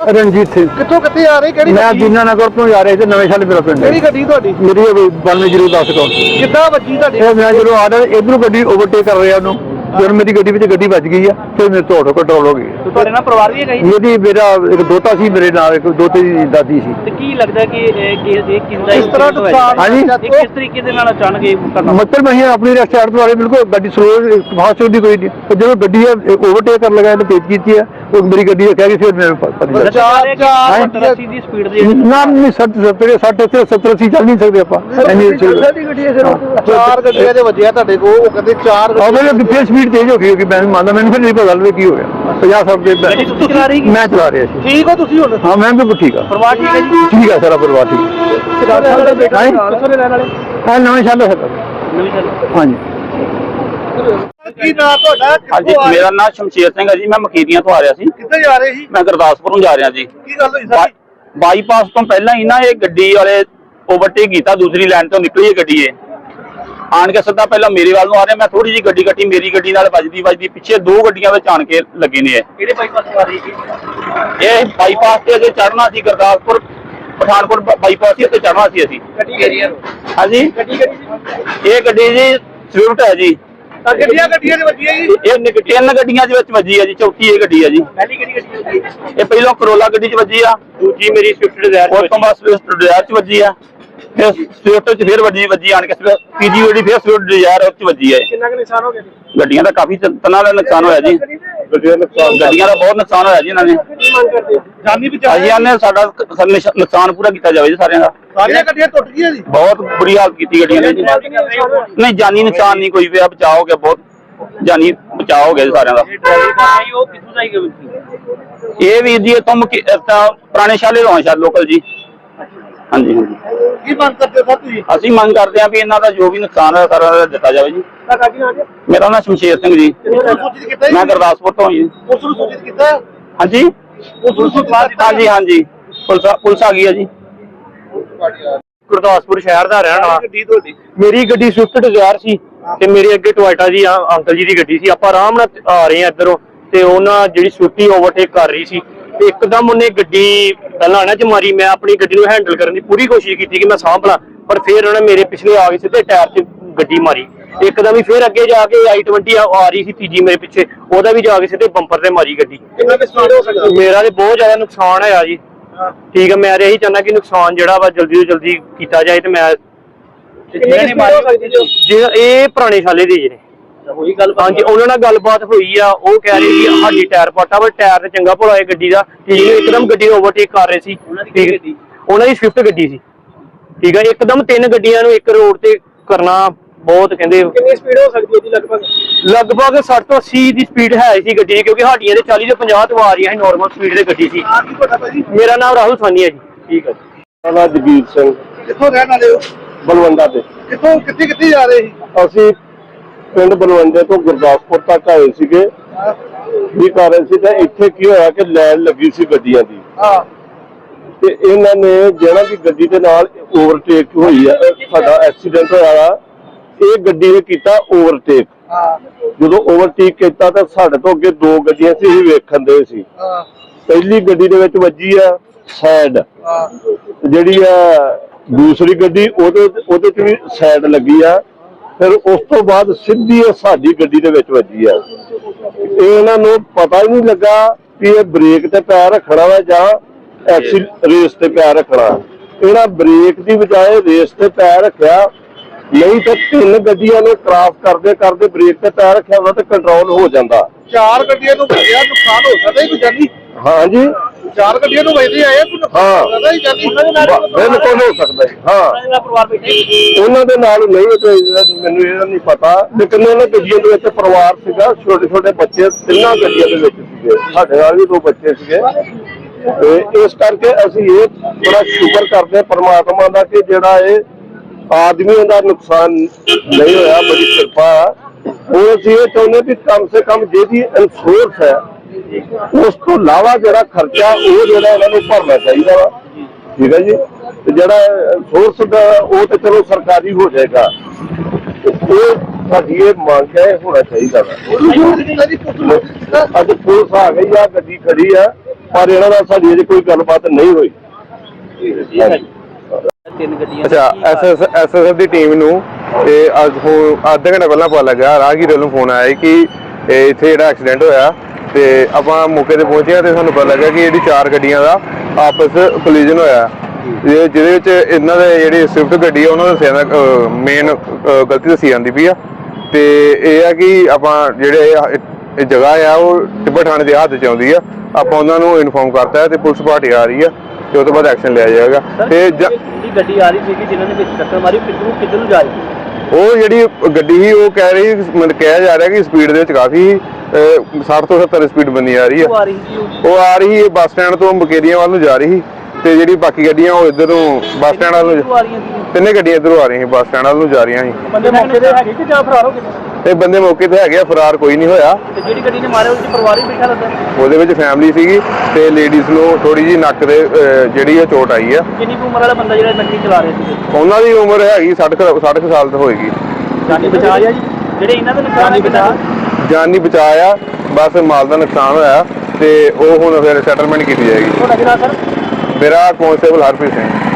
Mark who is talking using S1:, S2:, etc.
S1: ਰਣਜੀਤ ਸਿੰਘ।
S2: ਕਿੱਥੋਂ ਕਿੱਥੇ ਆ ਰਹੇ? ਕਿਹੜੀ
S1: ਮੈਂ ਦੀਨਾ ਨਗਰ ਤੋਂ ਜਾ ਰਿਹਾ ਸੀ, ਨਵੇਂ ਸ਼ਹਿਰ ਮੇਰਾ ਪਿੰਡ।
S2: ਕਿਹੜੀ ਗੱਡੀ ਤੁਹਾਡੀ?
S1: ਮੇਰੀ 9210 ਕੋਲ।
S2: ਕਿੱਦਾਂ ਵੱਜੀ ਤੁਹਾਡੀ?
S1: ਮੈਂ ਜਦੋਂ ਆ ਰਿਹਾ ਇਧਰੋਂ ਗੱਡੀ ਓਵਰਟੇਕ ਕਰ ਰਿਹਾ ਉਹਨੂੰ, ਜਦੋਂ ਮੇਰੀ ਗੱਡੀ ਵਿੱਚ ਗੱਡੀ ਵੱਜ ਗਈ ਆ, ਫਿਰ ਮੇਰੇ ਤੋਂ ਆਟੋ ਕੰਟਰੋਲ ਹੋ ਗਈ।
S3: ਤੁਹਾਡੇ ਨਾਲ ਪਰਿਵਾਰ ਵੀ ਹੈਗਾ ਜੀ?
S1: ਮੇਰੀ ਮੇਰਾ ਇੱਕ ਦੋਤਾ ਸੀ, ਮੇਰੇ ਨਾਲ ਇੱਕ ਦੋਤੇ ਦੀ ਦਾਦੀ ਸੀ।
S3: ਤੇ ਕੀ ਲੱਗਦਾ ਕਿ
S2: ਇਸ ਤਰ੍ਹਾਂ ਨੁਕਸਾਨ
S1: ਹਾਂਜੀ
S3: ਕਿਸ ਤਰੀਕੇ ਦੇ ਨਾਲ ਅਚਾਨਕ ਇਹ ਘਟਨਾ?
S1: ਮਤਲਬ ਅਸੀਂ ਆਪਣੀ ਰਸਤੇ ਤੋਂ ਆ ਰਹੇ, ਬਿਲਕੁਲ ਗੱਡੀ ਸਲੋ ਫਾਸਟ ਹੁੰਦੀ ਕੋਈ ਨਹੀਂ, ਪਰ ਜਦੋਂ ਗੱਡੀ ਓਵਰਟੇਕ ਕਰਨ ਲੱਗਾ, ਇਹਨੇ ਤੇਜ਼ ਕੀਤੀ ਹੈ, ਉਹ ਮੇਰੀ ਗੱਡੀ ਕਹਿ ਗਈ, ਫਿਰ ਮੇਰੇ ਪਤਾ ਨਹੀਂ
S3: ਚਾਰ ਦੀ ਸਪੀਡ ਦੀ
S1: ਨਾ ਨਹੀਂ 70-80 ਚੱਲ ਨਹੀਂ ਸਕਦੇ ਆਪਾਂ।
S2: ਚਾਰ ਗੱਡੀਆਂ ਦੇ ਵੱਜਿਆ ਤੁਹਾਡੇ ਕੋਲ, ਉਹ ਕਹਿੰਦੇ ਚਾਰ
S1: ਫਿਰ ਸਪੀਡ ਤੇਜ਼ ਹੋ ਗਈ ਹੋਗੀ, ਮੈਂ ਮੰਨਦਾ, ਮੈਨੂੰ ਫਿਰ ਨਹੀਂ ਪਤਾ ਲੱਗਦਾ ਕੀ ਹੋ ਗਿਆ। 50-60 ਦੇ ਮੈਂ ਚਲਾ ਰਿਹਾ ਸੀ।
S2: ਠੀਕ ਹੋ ਤੁਸੀਂ ਹੁਣ?
S1: ਹਾਂ ਮੈਂ ਬਿਲਕੁਲ ਠੀਕ ਆ।
S3: ਪਰਿਵਾਰ ਠੀਕ ਹੈ ਜੀ?
S1: ਠੀਕ ਆ, ਸਾਰਾ ਪਰਿਵਾਰ ਠੀਕ
S3: ਕਿੱਥੋਂ ਦੇ ਰਹਿਣ ਵਾਲੇ?
S1: ਹੈ। ਨਵੇਂ ਸ਼ਹਿਰ ਦਾ
S3: ਨਵੀਂ ਸ਼ਹਿਰ।
S1: ਹਾਂਜੀ।
S2: ਕੀ ਨਾਮ ਤੁਹਾਡਾ?
S4: ਹਾਂਜੀ, ਮੇਰਾ ਨਾਮ ਸ਼ਮਸ਼ੇਰ ਸਿੰਘ ਹੈ ਜੀ। ਮੈਂ ਮਖੀਰੀਆਂ ਤੋਂ ਆ ਰਿਹਾ ਸੀ।
S2: ਕਿੱਥੇ ਜਾ ਰਹੇ ਸੀ?
S4: ਮੈਂ ਗੁਰਦਾਸਪੁਰ ਨੂੰ ਜਾ ਰਿਹਾ ਜੀ।
S2: ਕੀ ਗੱਲ ਹੋਈ ਸਾਰੀ?
S4: ਬਾਈਪਾਸ ਤੋਂ ਪਹਿਲਾਂ ਹੀ ਨਾ ਇਹ ਗੱਡੀ ਵਾਲੇ ਓਵਰਟੇਕ ਕੀਤਾ, ਦੂਸਰੀ ਲਾਈਨ ਤੋਂ ਨਿਕਲੀ ਇਹ ਗੱਡੀ ਆਣ ਕੇ ਸਿੱਧਾ ਪਹਿਲਾਂ ਮੇਰੇ ਵੱਲ ਨੂੰ ਆ ਰਿਹਾ। ਮੈਂ ਥੋੜੀ ਜਿਹੀ ਗੱਡੀ ਕੱਟੀ, ਮੇਰੀ ਗੱਡੀ ਨਾਲ ਵੱਜਦੀ ਪਿੱਛੇ ਦੋ ਗੱਡੀਆਂ ਵਿੱਚ ਆਣ ਕੇ ਲੱਗੇ ਨੇ।
S3: ਕਿਹੜੇ ਬਾਈਪਾਸ ਤੋਂ ਆ ਰਹੀ ਸੀ?
S4: ਇਹ ਬਾਈਪਾਸ ਤੇ ਅਜੇ ਚੜ੍ਹਨਾ ਸੀ, ਗੁਰਦਾਸਪੁਰ ਪਠਾਨਕੋਟ ਬਾਈਪਾਸ ਤੇ ਚੜ੍ਹਨਾ ਸੀ ਅਸੀਂ।
S3: ਗੱਡੀ ਕਿਹੜੀ ਹੈ?
S4: ਹਾਂਜੀ, ਇਹ ਗੱਡੀ ਜੀ ਸਵਿਫਟ ਹੈ ਜੀ।
S2: ਗੱਡੀਆਂ ਦੇ ਵੱਜੀਆਂ ਜੀ?
S4: ਇਹ ਤਿੰਨ ਗੱਡੀਆਂ ਦੇ ਵਿੱਚ ਵੱਜੀ ਹੈ ਜੀ, ਚੌਥੀ ਇਹ ਗੱਡੀ ਹੈ ਜੀ।
S3: ਪਹਿਲੀ ਕਿਹੜੀ ਗੱਡੀ?
S4: ਇਹ ਪਹਿਲਾਂ ਕਰੋਲਾ ਗੱਡੀ 'ਚ ਵੱਜੀ ਆ,
S3: ਦੂਜੀ ਮੇਰੀ ਸਵਿਫਟ ਡਿਜ਼ਾਇਰ
S4: ਉਸ ਤੋਂ ਬਾਅਦ ਸਵਿਫਟ ਡਿਜ਼ਾਇਰ 'ਚ ਵੱਜੀ ਆ, ਫਿਰ ਸਵਿਫਟ 'ਚ ਫਿਰ ਵੱਜੀ ਆਣ ਕੇ ਪੀਜੀ ਗੱਡੀ ਫਿਰ ਸਵਿਫਟ ਡਿਜ਼ਾਇਰ ਉਹ 'ਚ ਵੱਜੀ ਹੈ।
S3: ਕਿੰਨਾ ਕੁ ਨੁਕਸਾਨ ਹੋ ਗਿਆ?
S4: ਗੱਡੀਆਂ ਦਾ ਕਾਫੀ ਤਨਾਂ ਦਾ ਨੁਕਸਾਨ ਹੋਇਆ ਜੀ। ਗੱਡੀਆਂ ਦਾ ਬਹੁਤ ਨੁਕਸਾਨ ਹੋਇਆ ਜੀ ਇਹਨਾਂ ਨੇ।
S2: ਜਾਨੀ ਬਚਾਅ?
S4: ਅਸੀਂ ਆਨੇ ਸਾਡਾ ਨੁਕਸਾਨ ਪੂਰਾ ਕੀਤਾ ਜਾਵੇ ਜੀ ਸਾਰਿਆਂ ਦਾ।
S2: ਸਾਰੀਆਂ ਗੱਡੀਆਂ ਟੁੱਟ ਗਈਆਂ ਜੀ?
S4: ਬਹੁਤ ਬੁਰੀ ਹਾਲਤ ਕੀਤੀ ਗੱਡੀਆਂ ਨੇ ਜੀ। ਨਹੀਂ, ਜਾਨੀ ਨੁਕਸਾਨ ਨਹੀਂ ਕੋਈ ਪਿਆ, ਬਚਾਅ ਹੋ ਗਿਆ, ਬਹੁਤ ਜਾਨੀ ਬਚਾਅ ਹੋ ਗਿਆ ਜੀ ਸਾਰਿਆਂ ਦਾ।
S3: ਉਹ ਕਿੱਥੋਂ ਦਾ ਹੀ?
S4: ਇਹ ਵੀਰ ਜੀ ਇੱਥੋਂ ਪੁਰਾਣੇ ਸ਼ਾਲੇ ਤੋਂ ਸ਼ਾਇਦ ਲੋਕਲ ਜੀ। ਹਾਂਜੀ ਹਾਂਜੀ।
S2: ਕੀ ਮੰਗ ਕਰਦੇ ਹੋ ਤੁਸੀਂ?
S4: ਅਸੀਂ ਮੰਗ ਕਰਦੇ ਹਾਂ ਵੀ ਇਹਨਾਂ ਦਾ ਜੋ ਵੀ ਨੁਕਸਾਨ ਹੈ ਸਾਰਾ ਦਿੱਤਾ ਜਾਵੇ ਜੀ। ਮੇਰਾ ਨਾਮ ਸ਼ਮਸ਼ੇਰ ਸਿੰਘ ਜੀ,
S2: ਸੂਚਿਤ ਕੀਤਾ
S4: ਮੈਂ ਗੁਰਦਾਸਪੁਰ ਤੋਂ ਜੀ।
S2: ਉਸ ਨੂੰ ਸੂਚਿਤ ਕੀਤਾ?
S4: ਹਾਂਜੀ
S2: ਉਸ ਨੂੰ ਸੂਚਿਤ ਕੀਤਾ?
S4: ਹਾਂਜੀ ਹਾਂਜੀ, ਪੁਲਿਸ ਆ ਗਈ ਹੈ ਜੀ।
S3: ਗੁਰਦਾਸਪੁਰ ਸ਼ਹਿਰ ਦਾ ਰਹਿਣ ਵਾਲਾ।
S2: ਗੱਡੀ ਤੁਹਾਡੀ?
S3: ਮੇਰੀ ਗੱਡੀ ਸਵਿਫਟ ਡਿਜ਼ਾਇਰ ਸੀ ਤੇ ਮੇਰੇ ਅੱਗੇ ਟੋਇਟਾ ਜੀ ਅੰਕਲ ਜੀ ਦੀ ਗੱਡੀ ਸੀ। ਆਪਾਂ ਆਰਾਮ ਨਾਲ ਆ ਰਹੇ ਆ ਇੱਧਰੋਂ, ਤੇ ਉਹਨਾਂ ਜਿਹੜੀ ਸਵਿਫਟੀ ਓਵਰਟੇਕ ਕਰ ਰਹੀ ਸੀ, ਤੇ ਇੱਕਦਮ ਉਹਨੇ ਗੱਡੀ ਪਹਿਲਾਂ ਚ ਮਾਰੀ। ਮੈਂ ਆਪਣੀ ਗੱਡੀ ਨੂੰ ਹੈਂਡਲ ਕਰਨ ਦੀ ਪੂਰੀ ਕੋਸ਼ਿਸ਼ ਕੀਤੀ ਕਿ ਮੈਂ ਸਾਂਭ ਲਾਂ, ਪਰ ਫਿਰ ਉਹਨੇ ਮੇਰੇ ਪਿਛਲੇ ਆ ਕੇ ਸਿੱਧੇ ਟਾਇਰ 'ਚ ਗੱਡੀ ਮਾਰੀ। ਇੱਕਦਮ ਹੀ ਫਿਰ ਅੱਗੇ ਜਾ ਕੇ i20 ਆ ਰਹੀ ਸੀ ਤੀਜੀ ਮੇਰੇ ਪਿੱਛੇ, ਉਹਦਾ ਵੀ ਜਾ ਕੇ ਸਿੱਧੇ ਬੰਪਰ ਤੇ ਮਾਰੀ ਗੱਡੀ।
S2: ਕਿੰਨਾ ਨੁਕਸਾਨ ਹੋ ਸਕਦਾ?
S3: ਮੇਰਾ ਤੇ ਬਹੁਤ ਜ਼ਿਆਦਾ ਨੁਕਸਾਨ ਹੋਇਆ ਜੀ। ਠੀਕ ਹੈ, ਮੈਂ ਇਹੀ ਚਾਹੁੰਦਾ ਕਿ ਨੁਕਸਾਨ ਜਿਹੜਾ ਵਾ ਜਲਦੀ ਤੋਂ ਜਲਦੀ ਕੀਤਾ ਜਾਏ। ਤੇ ਮੈਂ ਇਹ ਪੁਰਾਣੇ ਸਾਲੇ ਦੇ ਜਿਹੜੇ ਹਾਂਜੀ, ਉਹਨਾਂ ਨਾਲ ਗੱਲਬਾਤ ਹੋਈ ਆ। ਉਹ ਕਹਿ ਰਹੇ ਸੀ ਸਾਡੀ ਟਾਇਰ ਪਾਟਾ, ਪਰ ਟਾਇਰ ਤੇ ਚੰਗਾ ਭਲਾ ਹੈ ਗੱਡੀ ਦਾ। ਠੀਕ ਹੈ, ਇੱਕਦਮ ਗੱਡੀ ਓਵਰਟੇਕ ਕਰ ਰਹੇ ਸੀ। ਉਹਨਾਂ ਦੀ ਸਵਿਫਟ ਗੱਡੀ ਸੀ। ਠੀਕ ਹੈ, ਇੱਕਦਮ ਤਿੰਨ ਗੱਡੀਆਂ ਨੂੰ ਇੱਕ ਰੋਡ ਤੇ ਕਰਨਾ ਬਹੁਤ ਕਹਿੰਦੇ। ਕਿੰਨੀ ਸਪੀਡ ਹੋ ਸਕਦੀ ਹੈ ਜੀ? ਲਗਭਗ 60 ਤੋਂ 80 ਦੀ ਸਪੀਡ ਹੈ ਸੀ ਗੱਡੀ, ਕਿਉਂਕਿ ਸਾਡੀਆਂ ਦੇ 40 ਤੋਂ 50 ਤੋਂ ਆ ਰਹੀਆਂ ਸੀ ਨਾਰਮਲ ਸਪੀਡ ਦੀ ਗੱਡੀ ਸੀ। ਮੇਰਾ ਨਾਮ ਰਾਹੁਲ ਸਾਨੀ ਹੈ ਜੀ। ਠੀਕ ਹੈ ਜੀ।
S1: ਮੇਰਾ ਨਾਮ ਜਗੀਰ ਸਿੰਘ।
S2: ਕਿੱਥੋਂ ਰਹਿਣ ਵਾਲੇ ਹੋ?
S1: ਬਲਵੰਡਾ ਤੇ।
S2: ਕਿੱਥੋਂ ਕਿੱਥੇ ਜਾ ਰਹੇ ਸੀ?
S1: ਅਸੀਂ ਪਿੰਡ ਬਲਵੰਡੇ ਤੋਂ ਗੁਰਦਾਸਪੁਰ ਤੱਕ ਆਏ ਸੀਗੇ, ਵੀ ਕਰ ਰਹੇ ਸੀ। ਤੇ ਇੱਥੇ ਕੀ ਹੋਇਆ ਕਿ ਲਾਈਨ ਲੱਗੀ ਸੀ ਗੱਡੀਆਂ ਦੀ, ਤੇ ਇਹਨਾਂ ਨੇ ਜਿਹੜਾ ਕਿ ਗੱਡੀ ਦੇ ਨਾਲ ਓਵਰਟੇਕ ਹੋਈ ਆ, ਸਾਡਾ ਐਕਸੀਡੈਂਟ ਹੋਇਆ। ਇਹ ਗੱਡੀ ਨੇ ਕੀਤਾ ਓਵਰਟੇਕ। ਜਦੋਂ ਓਵਰਟੇਕ ਕੀਤਾ ਤਾਂ ਸਾਡੇ ਤੋਂ ਅੱਗੇ ਦੋ ਗੱਡੀਆਂ ਸੀ, ਅਸੀਂ ਵੇਖਣ ਦੇ ਸੀ। ਪਹਿਲੀ ਗੱਡੀ ਦੇ ਵਿੱਚ ਵੱਜੀ ਆ ਸਾਈਡ, ਜਿਹੜੀ ਆ ਦੂਸਰੀ ਗੱਡੀ ਉਹਦੇ ਚ ਵੀ ਸਾਈਡ ਲੱਗੀ ਆ। ਫਿਰ ਉਸ ਤੋਂ ਬਾਅਦ ਸਿੱਧੀ ਸਾਡੀ ਗੱਡੀ ਦੇ ਵਿੱਚ ਵੱਜੀ ਆ। ਇਹਨਾਂ ਨੂੰ ਪਤਾ ਹੀ ਨਹੀਂ ਲੱਗਾ ਵੀ ਇਹ ਬ੍ਰੇਕ ਤੇ ਪੈਰ ਰੱਖਣਾ ਵਾ ਜਾਂ ਰੇਸ ਤੇ ਪੈਰ ਰੱਖਣਾ। ਇਹਨਾਂ ਬ੍ਰੇਕ ਦੀ ਬਜਾਏ ਰੇਸ ਤੇ ਪੈਰ ਰੱਖਿਆ, ਨਹੀਂ ਤਾਂ ਤਿੰਨ ਗੱਡੀਆਂ ਨੂੰ ਕ੍ਰਾਸ ਕਰਦੇ ਕਰਦੇ ਬ੍ਰੇਕ ਤੇ ਪੈਰ ਰੱਖਿਆ ਹੁੰਦਾ ਤੇ ਕੰਟਰੋਲ ਹੋ ਜਾਂਦਾ।
S2: ਚਾਰ ਗੱਡੀਆਂ ਨੂੰ ਵੱਜਿਆ, ਨੁਕਸਾਨ ਹੋ ਸਕਦਾ ਕੋਈ ਜਾਨੀ?
S1: ਹਾਂਜੀ,
S2: ਚਾਰ ਗੱਡੀਆਂ ਨੂੰ ਵੱਜਦੇ ਆਏ, ਕੋਈ ਨੁਕਸਾਨ ਹੋ ਸਕਦਾ ਜਾਨੀ?
S1: ਬਿਲਕੁਲ ਹੋ ਸਕਦਾ ਜੀ। ਹਾਂ, ਉਹਨਾਂ ਦੇ ਨਾਲ ਨਹੀਂ, ਮੈਨੂੰ ਇਹਦਾ ਨਹੀਂ ਪਤਾ, ਲੇਕਿਨ ਉਹਨਾਂ ਗੱਡੀਆਂ ਦੇ ਵਿੱਚ ਪਰਿਵਾਰ ਸੀਗਾ, ਛੋਟੇ ਛੋਟੇ ਬੱਚੇ ਤਿੰਨਾਂ ਗੱਡੀਆਂ ਦੇ ਵਿੱਚ ਸੀਗੇ, ਸਾਡੇ ਨਾਲ ਵੀ ਦੋ ਬੱਚੇ ਸੀਗੇ। ਤੇ ਇਸ ਕਰਕੇ ਅਸੀਂ ਇਹ ਬੜਾ ਸ਼ੁਕਰ ਕਰਦੇ ਪਰਮਾਤਮਾ ਦਾ ਕਿ ਜਿਹੜਾ ਇਹ ਆਦਮੀਆਂ ਦਾ ਨੁਕਸਾਨ ਨਹੀਂ ਹੋਇਆ, ਬੜੀ ਕਿਰਪਾ। ਉਹ ਅਸੀਂ ਇਹ ਚਾਹੁੰਦੇ ਵੀ ਕਮ ਸੇ ਕਮ ਜਿਹਦੀ ਇੰਸ਼ੋਰੈਂਸ ਹੈ ਉਸ ਤੋਂ ਇਲਾਵਾ ਜਿਹੜਾ ਖਰਚਾ ਉਹ ਜਿਹੜਾ ਇਹਨਾਂ ਨੂੰ ਭਰਨਾ ਚਾਹੀਦਾ ਵਾ। ਠੀਕ ਹੈ ਜੀ, ਤੇ ਜਿਹੜਾ ਇੰਸ਼ੋਰੈਂਸ ਦਾ ਉਹ ਤੇ ਚਲੋ ਸਰਕਾਰੀ ਹੋ ਜਾਏਗਾ, ਉਹ ਸਾਡੀ ਇਹ ਮੰਗ ਹੈ, ਹੋਣਾ ਚਾਹੀਦਾ ਵਾ। ਅੱਜ ਪੁਲਿਸ ਆ ਗਈ ਆ, ਗੱਡੀ ਖੜੀ ਆ, ਪਰ ਇਹਨਾਂ ਨਾਲ ਸਾਡੀ ਅਜੇ ਕੋਈ ਗੱਲਬਾਤ ਨਹੀਂ ਹੋਈ।
S5: ਅੱਛਾ ਐਸਐਸਐਫ ਦੀ ਟੀਮ ਨੂੰ ਤੇ ਅੱਜ ਅੱਧੇ ਘੰਟੇ ਪਹਿਲਾਂ ਪਤਾ ਲੱਗਾ, ਰਾਹਗੀਰ ਵੱਲੋਂ ਫੋਨ ਆਇਆ ਕਿ ਇੱਥੇ ਜਿਹੜਾ ਐਕਸੀਡੈਂਟ ਹੋਇਆ ਤੇ ਆਪਾਂ ਮੌਕੇ ਤੇ ਪਹੁੰਚੇ ਤੇ ਸਾਨੂੰ ਪਤਾ ਲੱਗਾ ਕਿ ਜਿਹੜੀ 4 ਗੱਡੀਆਂ ਦਾ ਆਪਸ ਕੋਲੀਜਨ ਹੋਇਆ, ਜਿਹਦੇ ਵਿੱਚ ਇਹਨਾਂ ਦੇ ਜਿਹੜੀ ਸਵਿਫਟ ਗੱਡੀ ਆ ਉਹਨਾਂ ਦਾ ਮੇਨ ਗਲਤੀ ਦੱਸੀ ਜਾਂਦੀ ਪਈ ਆ। ਤੇ ਇਹ ਆ ਕਿ ਆਪਾਂ ਜਿਹੜੇ ਇਹ ਜਗ੍ਹਾ ਆ ਉਹ ਟਿੱਬਾ ਥਾਣੇ ਦੇ ਹੱਥ 'ਚ ਆਉਂਦੀ ਆ, ਆਪਾਂ ਉਹਨਾਂ ਨੂੰ ਇਨਫੋਰਮ ਕਰਤਾ ਹੈ ਤੇ ਪੁਲਿਸ ਪਾਰਟੀ ਆ ਰਹੀ ਆ ਤੇ ਉਹ ਤੋਂ ਬਾਅਦ ਐਕਸ਼ਨ ਲਿਆ ਜਾਏਗਾ। ਤੇ
S3: ਗੱਡੀ ਆ ਰਹੀ ਸੀ ਜਿਨ੍ਹਾਂ ਨੇ ਵਿੱਚ ਟੱਕਰ ਮਾਰੀ, ਕਿੱਧਰ ਨੂੰ ਜਾ ਰਹੀ ਸੀ?
S5: ਉਹ ਜਿਹੜੀ ਗੱਡੀ ਸੀ ਉਹ ਕਹਿ ਰਹੀ, ਮਤਲਬ ਕਿਹਾ ਜਾ ਰਿਹਾ ਕਿ ਸਪੀਡ ਦੇ ਵਿੱਚ ਕਾਫੀ 60 ਤੋਂ 70 ਸਪੀਡ ਬੰਨੀ ਆ ਰਹੀ ਹੈ। ਉਹ ਆ ਰਹੀ ਹੈ ਬੱਸ ਸਟੈਂਡ ਤੋਂ ਮੁਕੇਰੀਆਂ ਵੱਲ ਨੂੰ ਜਾ ਰਹੀ ਸੀ ਤੇ ਜਿਹੜੀ ਬਾਕੀ ਗੱਡੀਆਂ ਉਹ ਇੱਧਰ ਨੂੰ ਬੱਸ ਸਟੈਂਡ ਵੱਲ ਨੂੰ, ਤਿੰਨੇ ਗੱਡੀਆਂ ਇੱਧਰੋਂ ਆ ਰਹੀਆਂ ਸੀ, ਬੱਸ ਸਟੈਂਡ ਵੱਲ ਨੂੰ ਜਾ ਰਹੀਆਂ ਸੀ।
S3: ਬੰਦੇ ਮੌਕੇ ਤੇ ਹੈਗੇ ਕਿ ਜਾਂ ਫਰਾਰ ਹੋ ਗਏ?
S5: ਤੇ ਬੰਦੇ ਮੌਕੇ ਤੇ ਹੈਗੇ ਆ, ਫਰਾਰ ਕੋਈ ਨਹੀਂ ਹੋਇਆ।
S3: ਤੇ ਜਿਹੜੀ ਗੱਡੀ ਨੇ ਮਾਰਿਆ ਉਹਦੇ ਪਰਿਵਾਰ ਵੀ ਬੈਠਾ ਲੱਗਦਾ?
S5: ਉਹਦੇ ਵਿੱਚ ਫੈਮਿਲੀ ਸੀਗੀ ਤੇ ਲੇਡੀਜ਼ ਨੂੰ ਥੋੜੀ ਜਿਹੀ ਨੱਕ ਦੇ ਜਿਹੜੀ ਉਹ ਚੋਟ ਆਈ ਆ।
S3: ਕਿੰਨੀ ਉਮਰ ਵਾਲਾ ਬੰਦਾ ਜਿਹੜਾ ਗੱਡੀ ਚਲਾ ਰਿਹਾ ਸੀ?
S5: ਉਹਨਾਂ ਦੀ ਉਮਰ ਹੈਗੀ 60 ਸਾਲ ਤੋਂ ਹੋਏਗੀ।
S3: ਜਾਨੀ ਬਚਾ ਲਿਆ ਜੀ? ਜਿਹੜੇ ਇਹਨਾਂ ਦਾ ਨੁਕਸਾਨ ਹੈ
S5: ਜਾਨ ਨਹੀਂ ਬਚਾਇਆ, ਬਸ ਮਾਲ ਦਾ ਨੁਕਸਾਨ ਹੋਇਆ ਤੇ ਉਹ ਹੁਣ ਫਿਰ ਸੈਟਲਮੈਂਟ ਕੀਤੀ ਜਾਏਗੀ।
S3: ਤੁਹਾਡਾ ਕਿਹੜਾ ਸਰ?
S5: ਮੇਰਾ ਕਾਂਸਟੇਬਲ ਹਰਪ੍ਰੀਤ ਸਿੰਘ।